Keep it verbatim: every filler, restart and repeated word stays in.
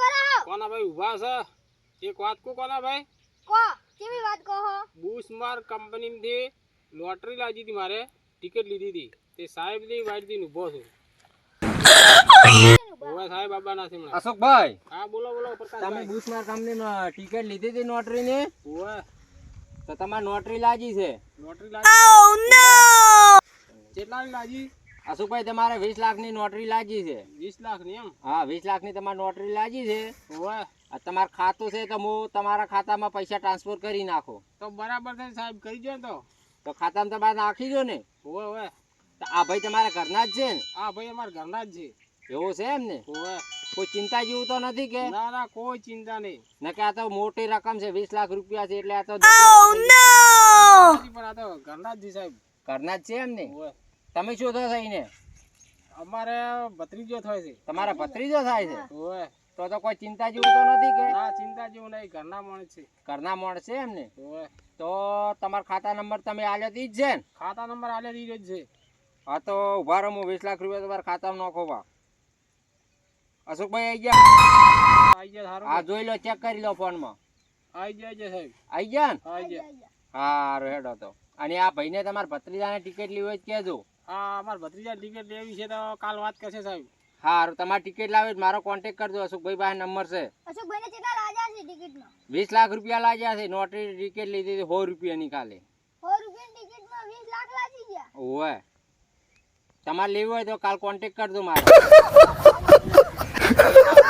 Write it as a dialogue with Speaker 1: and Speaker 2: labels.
Speaker 1: કરો
Speaker 2: કોના ભાઈ ઊભા છે એક વાત કો કોના ભાઈ
Speaker 1: કો કેવી વાત કહો
Speaker 2: બુશમાર કંપનીમાંથી લોટરી લાગી હતી મારે ટિકિટ લીધી હતી તે સાહેબ ની વાઈટ થી ઊભો છું ઓવા સાહેબ બાબા ના સિમણા
Speaker 3: અશોકભાઈ
Speaker 2: હા બોલો બોલો પ્રકાશ
Speaker 3: તમે બુશમાર કંપની ટિકિટ લીધી હતી નોટરી ની
Speaker 2: ઓવા
Speaker 3: તો તમારે નોટરી લાગી છે
Speaker 2: લોટરી લાગી ઓ નો કેટલા ની લાગી
Speaker 3: અશોકભાઈ તમારે વીસ લાખ ની નોટરી લાગી છે
Speaker 2: વીસ લાખ ની એમ
Speaker 3: હા વીસ લાખ ની તમારી નોટરી લાગી છે
Speaker 2: ઓવા
Speaker 3: આ તમારું ખાતું છે તો હું તમારા ખાતામાં પૈસા ટ્રાન્સફર કરી નાખો
Speaker 2: તો બરાબર છે સાહેબ કરી દો તો
Speaker 3: તો ખાતામાં તમારે નાખી દો ને
Speaker 2: ઓવે ઓવે
Speaker 3: તો આ ભાઈ તમારા ઘરના જ છે ને
Speaker 2: હા ભાઈ અમારા ઘરના જ છે
Speaker 3: એવું છે એમ ને
Speaker 2: ઓવે
Speaker 3: કોઈ ચિંતા જેવું તો નથી કે
Speaker 2: ના ના કોઈ ચિંતા નહીં
Speaker 3: ને કે આ તો મોટી રકમ છે વીસ લાખ રૂપિયા છે એટલે આ તો
Speaker 2: પણ આ તો ઘરના જ છે સાહેબ
Speaker 3: ઘરના જ છે એમ ને
Speaker 2: ઓવે
Speaker 3: તમે શું થો થઈને
Speaker 2: અમારે ભત્રીજો થાય છે
Speaker 3: તમારા ભત્રીજો થાય છે
Speaker 2: ઓવે
Speaker 3: તો તો કોઈ ચિંતા જેવું તો નથી કે
Speaker 2: ના ચિંતા જેવું નહીં ઘરના માણસ છે
Speaker 3: ઘરના માણસ છે એમ ને
Speaker 2: ઓવે
Speaker 3: તો તમારા ખાતા નંબર તમે આલ્યો તી જ છે ને
Speaker 2: ખાતા નંબર આલે દીધો જ છે
Speaker 3: હા તો ઉભા રહો હું વીસ લાખ રૂપિયા તમારા ખાતામાં નાખો બા અશોકભાઈ આવી ગયા
Speaker 2: આઈ જાય સારું
Speaker 3: હા જોઈ લો ચેક કરી લો ફોનમાં
Speaker 2: આઈ જાય છે સાહેબ
Speaker 3: આવી ગયા ને
Speaker 2: આઈ જાય
Speaker 3: હા હેડો તો અને આ ભાઈને તમારા ભત્રીજાને ટિકિટ લેવી હોય તો કહેજો
Speaker 2: હા અમાર ભત્રીજા ટિકિટ લેવી છે તો કાલ વાત કરશે સાહેબ
Speaker 3: હા તમારી ટિકિટ લાવે મારો કોન્ટેક્ટ કરજો અશોકભાઈ પાસે નંબર છે
Speaker 1: અશોકભાઈને કેટલા લાગ્યા છે ટિકિટમાં
Speaker 3: વીસ લાખ રૂપિયા લાગ્યા છે નોટરી ટિકિટ લીધી હતી સો રૂપિયાની કાલે
Speaker 1: સો રૂપિયાની ટિકિટમાં વીસ લાખ લાગી ગયા
Speaker 3: ઓવે તમારે લેવું હોય તો કાલ કોન્ટેક્ટ કરજો મારે